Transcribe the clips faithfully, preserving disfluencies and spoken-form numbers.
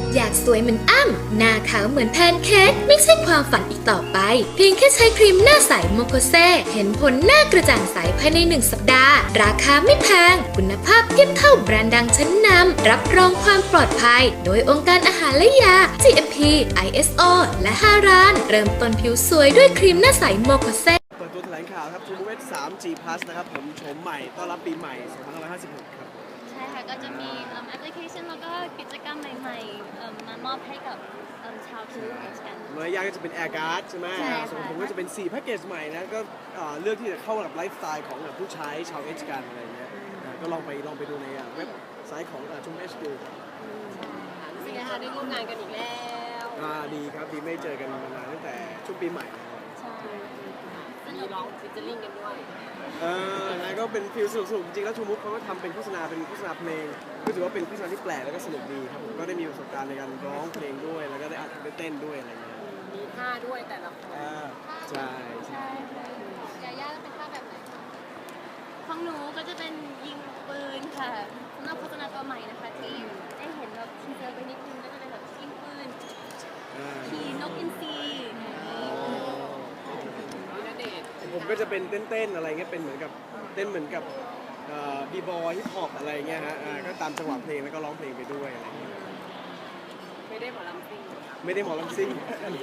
อยากสวยเหมือนอ้ำหน้าขาวเหมือนแพนเค้กไม่ใช่ความฝันอีกต่อไปเพียงแค่ใช้ครีมหน้าใสโมโคเซเห็นผลหน้ากระจ่างใสภายในหนึ่งสัปดาห์ราคาไม่แพงคุณภาพเทียบเท่าแบรนด์ดังชั้นนำรับรองความปลอดภัยโดยองค์การอาหารและยา จี เอ็ม พี ไอ เอส โอ และห้าร้านเริ่มต้นผิวสวยด้วยครีมหน้าใสโมโคเซเปิดตัวแถลงข่าวครับ ทู เอส ทรี จี Plus นะครับผมโฉมใหม่ต้อนรับปีใหม่สองพันห้าร้อยห้าสิบหกครับใช่ค่ะก็จะมีแอปพลิเคชันแล้วก็กิจกรรมใหม่ๆมามอบให้กับชาวทูเอชกันเมื่อยากก็จะเป็น Air Guard ใช่ไหมส่วนผมก็จะเป็นสี่แพ็กเกจใหม่นะก็เลือกที่จะเข้ากับไลฟ์สไตล์ของผู้ใช้ชาวเอชกันอะไรเงี้ยก็ลองไปลองไปดูในเว็บไซต์ของทูเอชดูรู้สึกไงคะได้ร่วมงานกันอีกแล้วอ่าดีครับดีไม่เจอกันมานานตั้งแต่ช่วงปีใหม่ใช่มีร้องฟิชเชอร์ลิงกันด้วยเออนะก็เป็นฟิลสนุกๆจริงๆแล้วทูมุกเขาก็ทำเป็นโฆษณาเป็นโฆษณาเพลงก็ถือว่าเป็นโฆษณาที่แปลกแล้วก็สนุกดีครับผมก็ได้มีประสบการณ์ในการร้องเพลงด้วยแล้วก็ได้อัดได้เต้นด้วยอะไรเงี้ยมีท่าด้วยแต่ละคนใช่ใช่ยาย่าเป็นท่าแบบไหนของหนูก็จะเป็นยิงปืนค่ะสำหรับโฆษณาตัวใหม่นะคะที่ได้เห็นแบบทีเซอร์ไปนิดนึงก็จะเป็นแบบยิงปืนขี่นกอินทรีผมก็จะเป็นเต้นๆอะไรเงี้ยเป็นเหมือนกับเต้นเหมือนกับบีบอยฮิปฮอปอะไรเงี้ยฮะก็ตามจังหวะเพลงแล้วก็ร้องเพลงไปด้วยอะไรเงี้ยไม่ได้หมอลำซิ่งไม่ได้หมอลำซิ่ง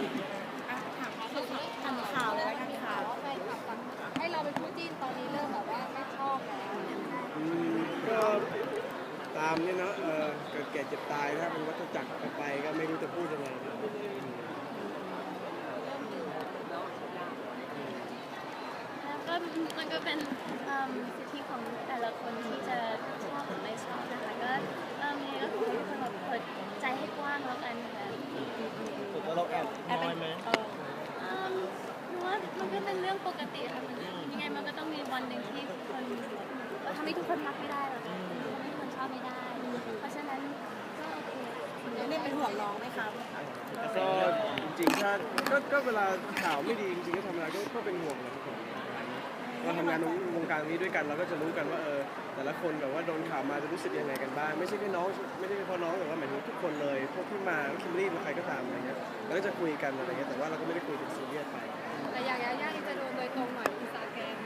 ทำข่าวเลยแล้วกันข่าวว่าแฟนคลับให้เราเป็นคู่จิ้นตอนนี้เริ่มแบบว่าไม่ชอบแล้วก็ตามเนี่ยเนาะเกิดแก่เจ็บตายถ้าเป็นวัฏจักรไปก็ไม่รู้จะพูดยังไงก็มันก็เป็นสิทธิของแต่ละคนที่จะชอบหรือไม่ชอบนะคะก็มีก็คือทุกคนแบบเปิดใจให้กว้างแล้วกันค่ะสุดแล้วเราแอบน้อยไหมหนูว่ามันก็เป็นเรื่องปกติค่ะมันยังไงมันก็ต้องมีวันหนึ่งที่คนเราทำให้ทุกคนรักไม่ได้หรอกทำให้ทุกคนชอบไม่ได้เพราะฉะนั้นก็โอเคนี่เป็นห่วงน้องไหมครับก็จริงๆถ้าก็ก็เวลาข่าวไม่ดีจริงๆก็ทำอะไรก็เป็นห่วงเลยทุกคนเราทำงานวงการนี้ด้วยกันเราก็จะรู้กันว่าเออแต่ละคนแบบว่าโดนข่าวมาจะรู้สึกยังไงกันบ้างไม่ใช่แค่น้องไม่ใช่เฉพาะน้องแต่ว่าหมายถึงทุกคนเลยพวกที่มาคิมรี่หรือใครก็ตามอะไรเงี้ยเราก็จะคุยกันอะไรเงี้ยแต่ว่าเราก็ไม่ได้คุยถึงซีเรียสไปแต่อยากยากจะโดนโดยตรงหน่อยอินสตาแกรม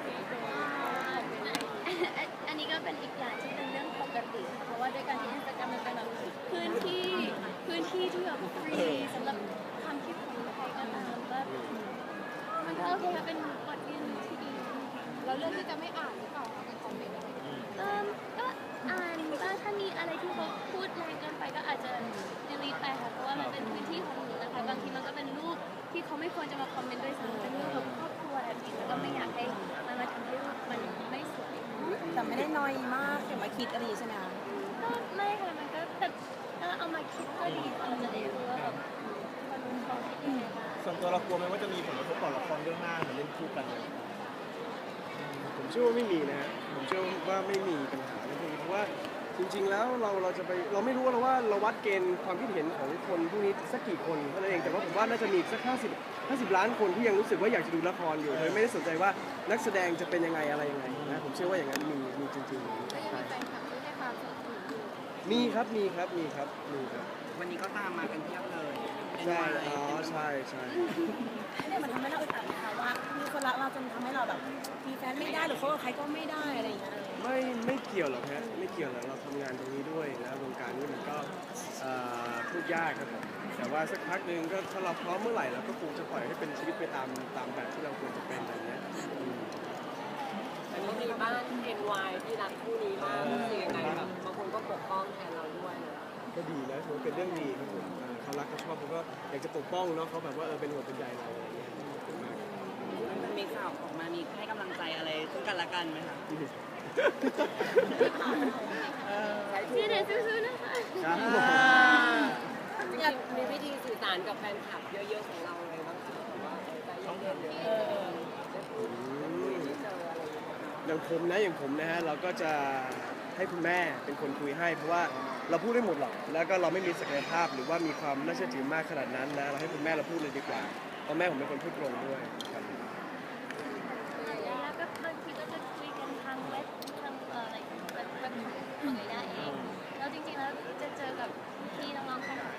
อันนี้ก็เป็นอีกอย่างที่เป็นเรื่องปกติเพราะว่าด้วยการที่อินสตาแกรมมันเป็นแบบพื้นที่พื้นที่ที่แบบฟรีสำหรับความคิดของใครก็ตามก็มันก็โอเคเป็นบทเรียนที่ดีเราเลือกที่จะไม่อ่านหรือเปล่าในคอมเมนต์เออก็อ่านก็ถ้ามีอะไรที่เขาพูดแรงเกินไปก็อาจจะ delete ไปค่ะเพราะว่ามันเป็นพื้นที่ของหนูนะคะบางทีมันก็เป็นรูปที่เขาไม่ควรจะมาคอมเมนต์ด้วยซ้ำเป็นรูปแบบครอบครัวแบบนี้แล้วก็ไม่อยากให้มันมาทำให้รูปมันไม่สวยแต่ไม่ได้น้อยมากเก็บมาคิดอะไรใช่ไหมคะก็ไม่ค่ะมันก็แต่ถ้าเอามาคิดก็ดีเราจะได้รู้ว่าแบบคนเขาคิดยังไงส่วนตัวเรากลัวไหมว่าจะมีผลกระทบต่อละครเรื่องหน้าเหมือนเล่นคู่กันเลยผมเชื่อว่าไม่มีนะฮะผมเชื่อว่าไม่มีปัญหาในพวกนี้เพราะว่าจริงๆแล้วเราเราจะไปเราไม่รู้แล้วว่าเราวัดเกณฑ์ความคิดเห็นของคนพวกนี้สักกี่คนเท่านั้นเองแต่ว่าผมว่าน่าจะมีสักห้าสิบห้าสิบล้านคนที่ยังรู้สึกว่าอยากจะดูละครอยู่โดยไม่ได้สนใจว่านักแสดงจะเป็นยังไงอะไรยังไงนะผมเชื่อว่าอย่างนั้นมีมีจริงๆมีครับมีครับมีครับมีครับวันนี้ก็ตามมากันเพียบเลยใช่อ๋อใช่ใช่เนี่ยมันทำให้เราอึดอัดนะคะว่ามีคนรักเราจนทำให้เราแบบมีแฟนไม่ได้หรือเขากับใครก็ไม่ได้อะไรอย่างเงี้ยไม่ไม่เกี่ยวหรอกฮะไม่เกี่ยวหรอกเราทำงานตรงนี้ด้วยนะวงการนี้มันก็พูดยากครับผมแต่ว่าสักพักหนึ่งก็ถ้าเราพร้อมเมื่อไหร่เราก็คงจะปล่อยให้เป็นชีวิตไปตามตามแบบที่เราควรจะเป็นอะไรเงี้ยอันนี้มีบ้าน เอ็น วาย ที่รักคู่นี้มากรู้สึกยังไงแบบบางคนก็ปกป้องแทนเราด้วยก็ดีนะถือว่าเป็นเรื่องดีครับผมเขารักเขาชอบเขาก็อยากจะปกป้องเนาะเขาแบบว่าเออเป็นห่วงเป็นใยเราอะไรเงี้ยมันมีข่าวออกมามีให้กำลังใจอะไรซึ่งกันและกันไหมคะชื่อเด็กซื่อๆนะคะอยากมีวิธีสื่อสารกับแฟนคลับเยอะๆของเราเลยบ้างคะว่าใจเย็นๆอย่างผมนะอย่างผมนะฮะเราก็จะให้คุณแม่เป็นคนคุยให้เพราะว่าเราพูดได้หมดหรอกแล้วก็เราไม่มีศักยภาพหรือว่ามีความน่าเชื่อถือมากขนาดนั้นนะเราให้คุณแม่เราพูดเลยดีกว่าเพราะแม่ผมเป็นคนพูดตรงด้วยครับแล้วก็บางทีก็จะคุยกันทางเว็บทางอะไรเว็บของยาย่าเองแล้วจริงๆแล้วจะเจอกับพี่น้องๆแฟนคลับ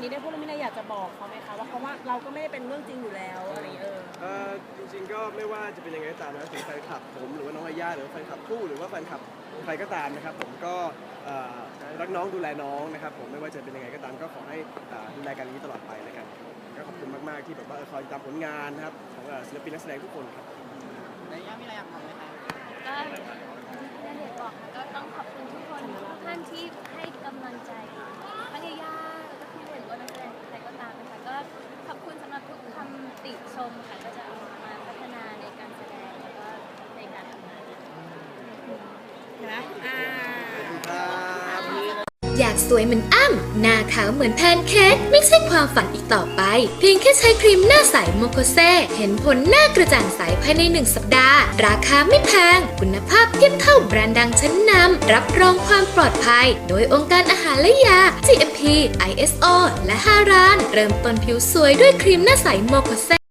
นี้ได้พูดแล้วมีอะไรอยากจะบอกเขาไหมคะว่าเพราะว่าเราก็ไม่ได้เป็นเรื่องจริงอยู่แล้วอะไรอย่างเงี้ยเออเอ่อจริงๆก็ไม่ว่าจะเป็นยังไงก็ตามนะถึงแฟนคลับผมหรือว่าน้องอาย่าหรือว่าแฟนคลับคู่หรือว่าแฟนคลับใครก็ตามนะครับผมก็เอ่อรักน้องดูแลน้องนะครับผมไม่ว่าจะเป็นยังไงก็ตามก็ขอให้เอ่อดูแลกันอย่างนี้ตลอดไปแล้วกันก็ขอบคุณมากๆที่แบบว่าเออคอยติดตามผลงานนะครับของเอ่อศิลปินนักแสดงทุกคนครับแล้วย่ามีอะไรอยากบอกไหมคะก็อย่างที่ณเดชน์บอกค่ะก็ต้องขอบคุณทุกคนทุกท่านที่ให้กำลังใจทั้งยาย่าแล้วก็พี่ณเดชน์หรือว่านักแสดงใครก็ตามนะคะก็ขอบคุณสำหรับทุกคำติชมค่ะก็จะเอามาพัฒนาในการแสดงแล้วก็ในการทำงานเห็นไหมอ่าครับอยากสวยเหมือนอ้ำหน้าขาวเหมือนแพนเค้กไม่ใช่ความฝันอีกต่อไป เพียงแค่ใช้ครีมหน้าใสโมโคเซเห็นผลหน้ากระจ่างใสภายในหนึ่งสัปดาห์ ราคาไม่แพง คุณภาพเทียบเท่าแบรนด์ดังชั้นนำรับรองความปลอดภัย โดยองค์การอาหารและยา จี เอ็ม พี ไอ เอส โอ และฮารานเริ่มต้นผิวสวยด้วยครีมหน้าใสโมโคเซ